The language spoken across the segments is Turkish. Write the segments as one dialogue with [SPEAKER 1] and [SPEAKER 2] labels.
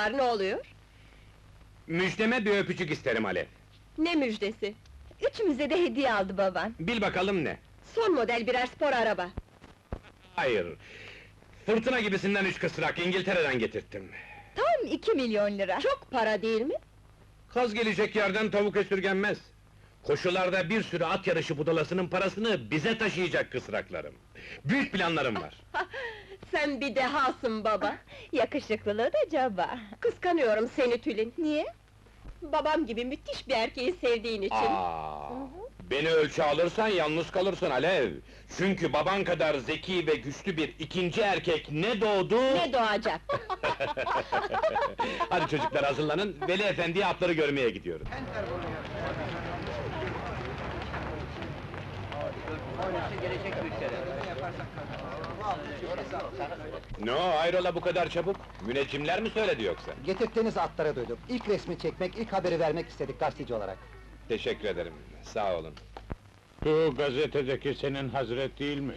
[SPEAKER 1] var, ne oluyor?
[SPEAKER 2] Müjdeme bir öpücük isterim Alev.
[SPEAKER 1] Ne müjdesi?
[SPEAKER 3] Üçümüze de hediye aldı baban.
[SPEAKER 2] Bil bakalım ne?
[SPEAKER 1] Son model birer spor araba.
[SPEAKER 2] Hayır. Fırtına gibisinden 3 kısrak, İngiltere'den getirttim.
[SPEAKER 3] Tam 2 milyon lira.
[SPEAKER 1] Çok para değil mi?
[SPEAKER 2] Kaz gelecek yerden tavuk esirgenmez. Koşularda bir sürü at yarışı budalasının parasını bize taşıyacak kısraklarım. Büyük planlarım var.
[SPEAKER 1] Sen bir dehasın baba!
[SPEAKER 3] Yakışıklılığı da caba.
[SPEAKER 1] Kıskanıyorum seni Tülin!
[SPEAKER 3] Niye?
[SPEAKER 1] Babam gibi müthiş bir erkeği sevdiğin için!
[SPEAKER 2] Beni ölçü alırsan yalnız kalırsın Alev! Çünkü baban kadar zeki ve güçlü bir ikinci erkek ne doğdu...
[SPEAKER 1] Ne doğacak?
[SPEAKER 2] Hadi çocuklar hazırlanın, Veli Efendi'ye atları görmeye gidiyoruz. Ne o, hayrola bu kadar çabuk? Müneccimler mi söyledi yoksa?
[SPEAKER 4] Getirttiğiniz atları duyduk. İlk resmi çekmek, ilk haberi vermek istedik gazeteci olarak.
[SPEAKER 2] Teşekkür ederim, sağ olun.
[SPEAKER 5] Bu gazetedeki senin Hazret değil mi?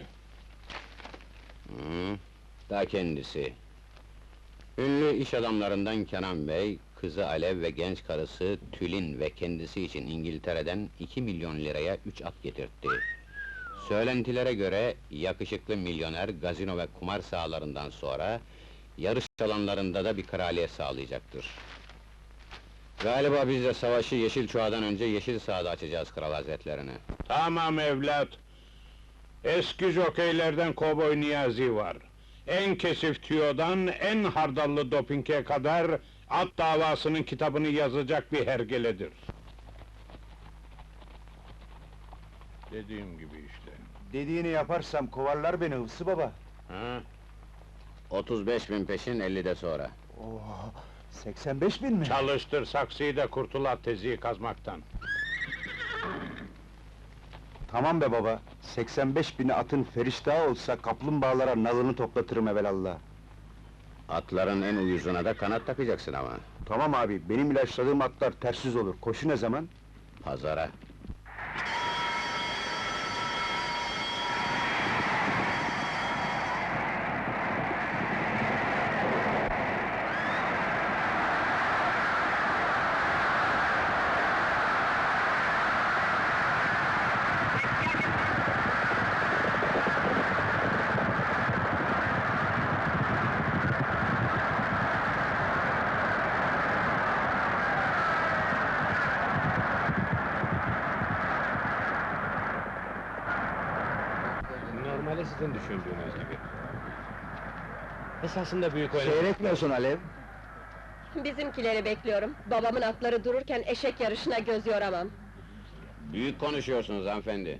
[SPEAKER 6] Ta kendisi. Ünlü iş adamlarından Kenan Bey, kızı Alev ve genç karısı Tülin ve kendisi için İngiltere'den 2 milyon liraya 3 at getirtti. Söylentilere göre, yakışıklı milyoner gazino ve kumar sahalarından sonra, yarış alanlarında da bir kraliyet sağlayacaktır. Galiba biz de savaşı Yeşil Çuğa'dan önce Yeşil Saha'da açacağız Kral Hazretlerine.
[SPEAKER 5] Tamam evlat. Eski jokeylerden Kovboy Niyazi var. En kesif tüyodan en hardallı dopinge kadar at davasının kitabını yazacak bir hergeledir. Dediğim gibi işte.
[SPEAKER 4] Dediğini yaparsam kovarlar beni Hıfzı baba.
[SPEAKER 5] Ha?
[SPEAKER 6] 35.000 peşin 50'de sonra.
[SPEAKER 4] Oo, 85.000 mi?
[SPEAKER 5] Çalıştır saksıyı da kurtul at teziyi kazmaktan.
[SPEAKER 4] Tamam be baba, 85.000'i atın feriştahı olsa kaplumbağalara nalını toplatırım evelallah.
[SPEAKER 6] Atların en uyuzuna da kanat takacaksın ama.
[SPEAKER 4] Tamam abi, benim ilaçladığım atlar tersiz olur. Koşu ne zaman?
[SPEAKER 6] Pazara.
[SPEAKER 2] Normali sizin düşündüğünüz gibi. Esasında büyük oyun...
[SPEAKER 4] Seyretmiyorsun Alev.
[SPEAKER 1] Bizimkileri bekliyorum. Babamın atları dururken eşek yarışına göz yoramam.
[SPEAKER 6] Büyük konuşuyorsunuz hanımefendi.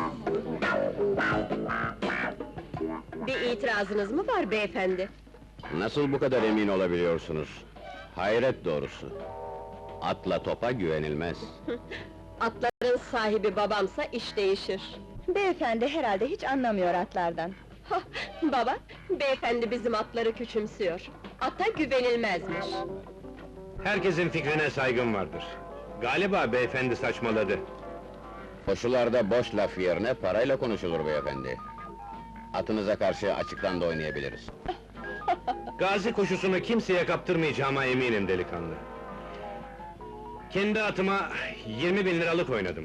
[SPEAKER 1] Bir itirazınız mı var beyefendi?
[SPEAKER 6] Nasıl bu kadar emin olabiliyorsunuz? Hayret doğrusu. Atla topa güvenilmez.
[SPEAKER 1] Atların sahibi babamsa iş değişir.
[SPEAKER 3] Beyefendi herhalde hiç anlamıyor atlardan.
[SPEAKER 1] Hah, baba, beyefendi bizim atları küçümsüyor. Ata güvenilmezmiş.
[SPEAKER 2] Herkesin fikrine saygım vardır. Galiba beyefendi saçmaladı.
[SPEAKER 6] Koşularda boş laf yerine parayla konuşulur beyefendi. Atınıza karşı açıktan da oynayabiliriz.
[SPEAKER 2] Gazi koşusunu kimseye kaptırmayacağıma eminim delikanlı. Kendi atıma 20.000 liralık oynadım.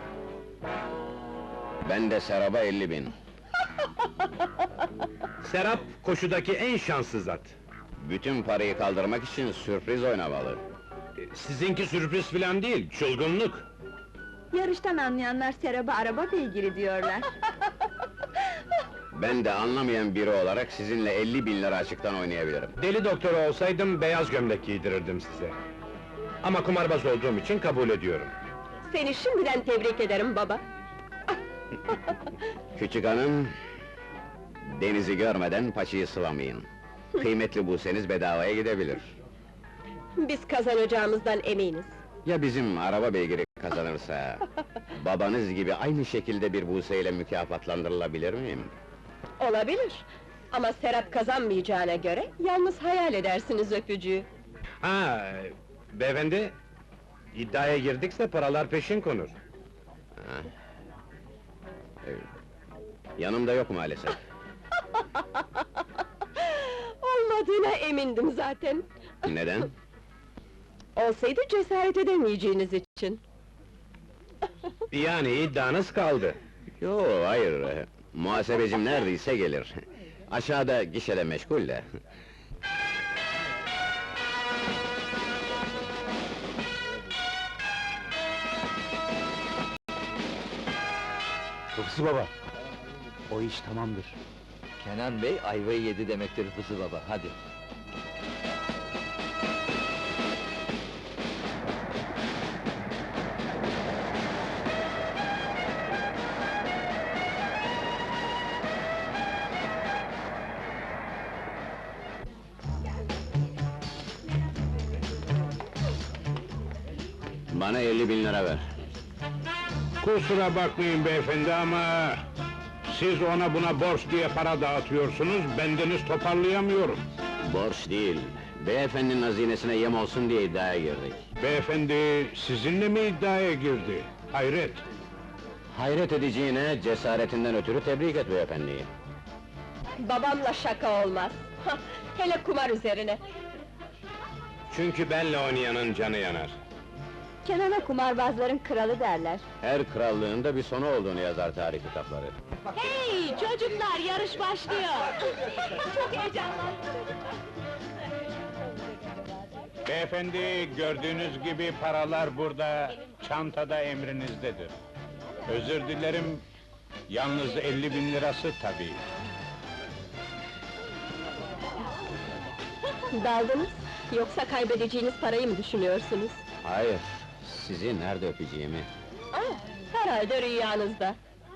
[SPEAKER 6] Ben de Serap'a 50.000.
[SPEAKER 2] Serap, koşudaki en şanssız at.
[SPEAKER 6] Bütün parayı kaldırmak için sürpriz oynamalı.
[SPEAKER 2] Sizinki sürpriz filan değil, çılgınlık.
[SPEAKER 3] Yarıştan anlayanlar Serap'a araba beygiri diyorlar.
[SPEAKER 6] Ben de anlamayan biri olarak sizinle 50.000 lira açıktan oynayabilirim.
[SPEAKER 2] Deli doktoru olsaydım beyaz gömlek giydirirdim size. Ama kumarbaz olduğum için kabul ediyorum.
[SPEAKER 1] Seni şimdiden tebrik ederim baba.
[SPEAKER 6] Küçük hanım, denizi görmeden paçayı sıvamayın. Kıymetli bulseniz bedavaya gidebilir.
[SPEAKER 1] Biz kazanacağımızdan eminiz.
[SPEAKER 6] Ya bizim araba beygiri kazanırsa, babanız gibi aynı şekilde bir buseyle mükafatlandırılabilir miyim?
[SPEAKER 1] Olabilir. Ama Serap kazanmayacağına göre, yalnız hayal edersiniz öpücüğü.
[SPEAKER 2] Ha, beyefendi, iddiaya girdikse paralar peşin konur.
[SPEAKER 6] Yanımda yok maalesef.
[SPEAKER 1] Olmadığına emindim zaten.
[SPEAKER 6] Neden?
[SPEAKER 1] Olsaydı cesaret edemeyeceğiniz için.
[SPEAKER 2] Yani iddianız kaldı.
[SPEAKER 6] Yo, hayır. Muhasebecim neredeyse gelir. Aşağıda gişede meşgul de.
[SPEAKER 4] Hıfzı baba, o iş tamamdır.
[SPEAKER 7] Kenan Bey ayvayı yedi demektir Fısı Baba, hadi.
[SPEAKER 6] Bana 50.000 lira ver.
[SPEAKER 5] Kusura bakmayın beyefendi ama... Siz ona buna borç diye para dağıtıyorsunuz, bendeniz toparlayamıyorum.
[SPEAKER 6] Borç değil, beyefendinin hazinesine yem olsun diye iddiaya girdik.
[SPEAKER 5] Beyefendi, sizinle mi iddiaya girdi? Hayret!
[SPEAKER 6] Hayret edeceğine, cesaretinden ötürü tebrik et beyefendiyi.
[SPEAKER 1] Babamla şaka olmaz. Hele kumar üzerine.
[SPEAKER 2] Çünkü benle oynayanın canı yanar.
[SPEAKER 3] Kenan'a kumarbazların kralı derler.
[SPEAKER 6] Her krallığın da bir sonu olduğunu yazar tarih kitapları.
[SPEAKER 3] Hey çocuklar, yarış başlıyor! Çok heyecanlı!
[SPEAKER 5] Beyefendi, gördüğünüz gibi paralar burada, çantada emrinizdedir. Özür dilerim, yalnız 50.000 lirası tabii.
[SPEAKER 1] Daldınız, yoksa kaybedeceğiniz parayı mı düşünüyorsunuz?
[SPEAKER 6] Hayır, sizi nerede öpeceğimi.
[SPEAKER 1] Ah, herhalde rüyanızda.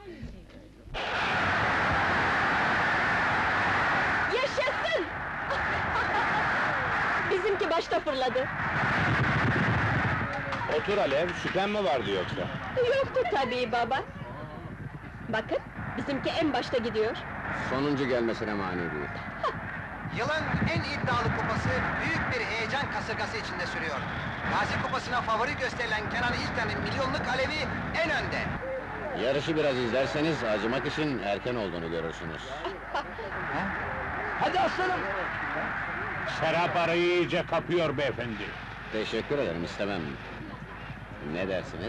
[SPEAKER 1] Yaşasın! Bizimki başta fırladı.
[SPEAKER 2] Otur Alev, şüphen mi vardı yoksa?
[SPEAKER 1] Yoktu tabii baba. Bakın, bizimki en başta gidiyor.
[SPEAKER 6] Sonuncu gelmesine mani değil.
[SPEAKER 8] Yılın en iddialı kupası büyük bir heyecan kasırgası içinde sürüyor. Gazi Kupası'na favori gösterilen Kenan İlkan'ın milyonluk alevi en önde.
[SPEAKER 6] Yarışı biraz izlerseniz, acımak için erken olduğunu görürsünüz.
[SPEAKER 7] Hadi aslanım!
[SPEAKER 5] Serap arayı iyice kapıyor beyefendi.
[SPEAKER 6] Teşekkür ederim, istemem. Ne dersiniz?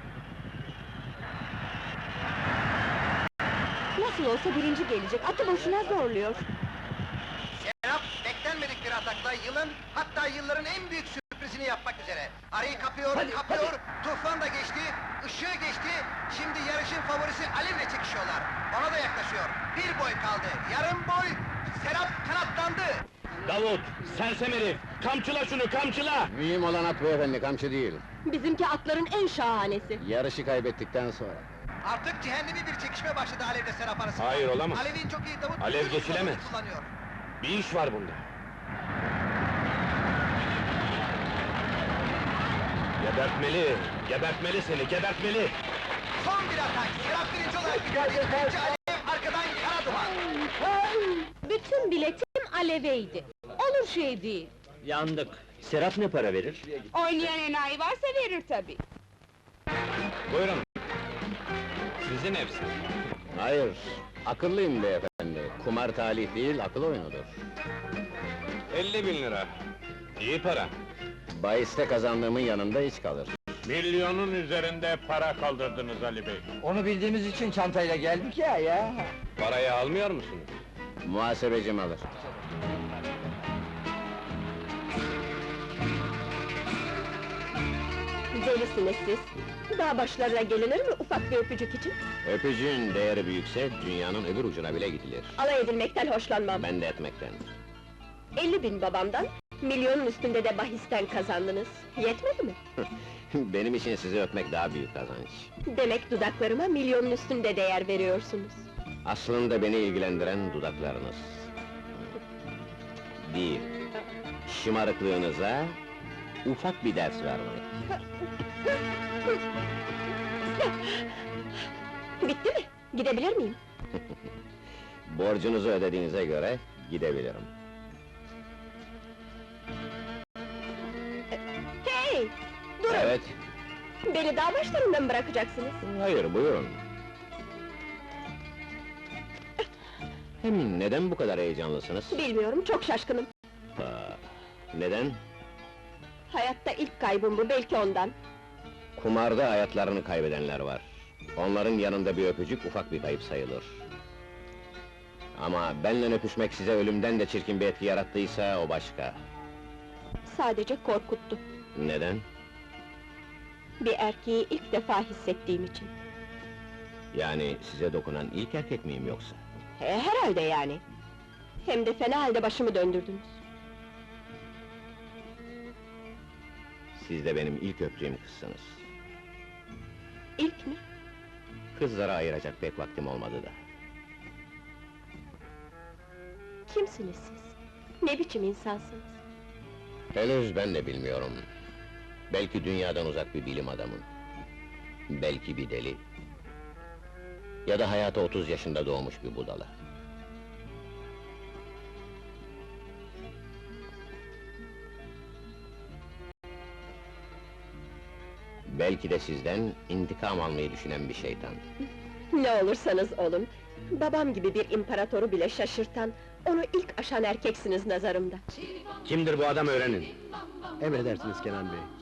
[SPEAKER 3] Nasıl olsa birinci gelecek, atı boşuna zorluyor.
[SPEAKER 8] Serap beklenmedik bir atakla yılın, hatta yılların en büyük sürprizini yapmak üzere. Arayı kapıyor, kapıyor, Tufan da geçti, ışığı geçti, şimdi yarışın favorisi Alev'le çekişiyorlar. Ona da yaklaşıyor, bir boy kaldı, yarım boy, Serap kanatlandı.
[SPEAKER 2] Davut, sersem herif! Kamçıla şunu, kamçıla!
[SPEAKER 6] Mühim olan at beyefendi, kamçı değil.
[SPEAKER 1] Bizimki atların en şahanesi.
[SPEAKER 6] Yarışı kaybettikten sonra.
[SPEAKER 8] Artık cehennemi bir çekişme başladı Alev'le Serap arasında.
[SPEAKER 2] Hayır, olamaz.
[SPEAKER 8] Alev'in çok iyi Davut,
[SPEAKER 2] Alev
[SPEAKER 8] bütün
[SPEAKER 2] geçilemez.
[SPEAKER 8] kullanımını kullanıyor.
[SPEAKER 2] Bir iş var bunda. Gebertmeli, gebertmeli seni, gebertmeli!
[SPEAKER 8] Son bir atak, Serap birinci olarak gidiyor, ikinci Alev, arkadan kara duman.
[SPEAKER 3] Bütün biletim Alev'eydi. Olur şey değil.
[SPEAKER 7] Yandık. Serap ne para verir?
[SPEAKER 3] Oynayan enayi varsa verir tabii.
[SPEAKER 2] Buyurun. Sizin hepsi.
[SPEAKER 6] Hayır, akıllıyım beyefendi. Kumar talih değil, akıl oyunudur.
[SPEAKER 2] 50.000 lira. İyi para.
[SPEAKER 6] Bahiste kazandığımın yanında hiç kalır.
[SPEAKER 5] Milyonun üzerinde para kaldırdınız Ali Bey.
[SPEAKER 7] Onu bildiğimiz için çantayla geldik ya.
[SPEAKER 2] Parayı almıyor musunuz?
[SPEAKER 6] Muhasebecim alır.
[SPEAKER 1] Delisiniz siz. Dağ başlarına gelinir mi ufak bir öpücük için?
[SPEAKER 6] Öpücüğün değeri büyükse, dünyanın öbür ucuna bile gidilir.
[SPEAKER 1] Alay edilmekten hoşlanmam.
[SPEAKER 6] Ben de etmekten.
[SPEAKER 1] 50.000 babamdan, milyonun üstünde de bahisten kazandınız. Yetmedi mi?
[SPEAKER 6] Benim için sizi öpmek daha büyük kazanç.
[SPEAKER 1] Demek dudaklarıma milyonun üstünde değer veriyorsunuz.
[SPEAKER 6] Aslında beni ilgilendiren dudaklarınız. Değil, şımarıklığınıza ufak bir ders vermek.
[SPEAKER 1] Bitti mi? Gidebilir miyim?
[SPEAKER 6] Borcunuzu ödediğinize göre gidebilirim.
[SPEAKER 1] Hey! Durun!
[SPEAKER 6] Evet,
[SPEAKER 1] Beni dağ başlarında mı bırakacaksınız?
[SPEAKER 6] hayır buyurun. Hem neden bu kadar heyecanlısınız?
[SPEAKER 1] Bilmiyorum, çok şaşkınım.
[SPEAKER 6] Aa, Neden?
[SPEAKER 1] Hayatta ilk kaybım bu, belki ondan.
[SPEAKER 6] Kumarda hayatlarını kaybedenler var. Onların yanında bir öpücük ufak bir kayıp sayılır. Ama benle öpüşmek size ölümden de çirkin bir etki yarattıysa o başka.
[SPEAKER 1] Sadece korkuttu.
[SPEAKER 6] Neden?
[SPEAKER 1] Bir erkeği ilk defa hissettiğim için.
[SPEAKER 6] Yani size dokunan ilk erkek miyim yoksa?
[SPEAKER 1] Herhalde yani. Hem de fena halde başımı döndürdünüz.
[SPEAKER 6] Siz de benim ilk öptüğüm kızsınız.
[SPEAKER 1] İlk mi?
[SPEAKER 6] Kızlara ayıracak pek vaktim olmadı da.
[SPEAKER 1] Kimsiniz siz? Ne biçim insansınız?
[SPEAKER 6] Henüz ben de bilmiyorum. Belki dünyadan uzak bir bilim adamı. Belki bir deli. Ya da hayata 30 yaşında doğmuş bir budala. Belki de sizden intikam almayı düşünen bir şeytan.
[SPEAKER 1] Ne olursanız olun, babam gibi bir imparatoru bile şaşırtan, onu ilk aşan erkeksiniz nazarımda.
[SPEAKER 2] Kimdir bu adam öğrenin.
[SPEAKER 9] Emredersiniz Kenan Bey.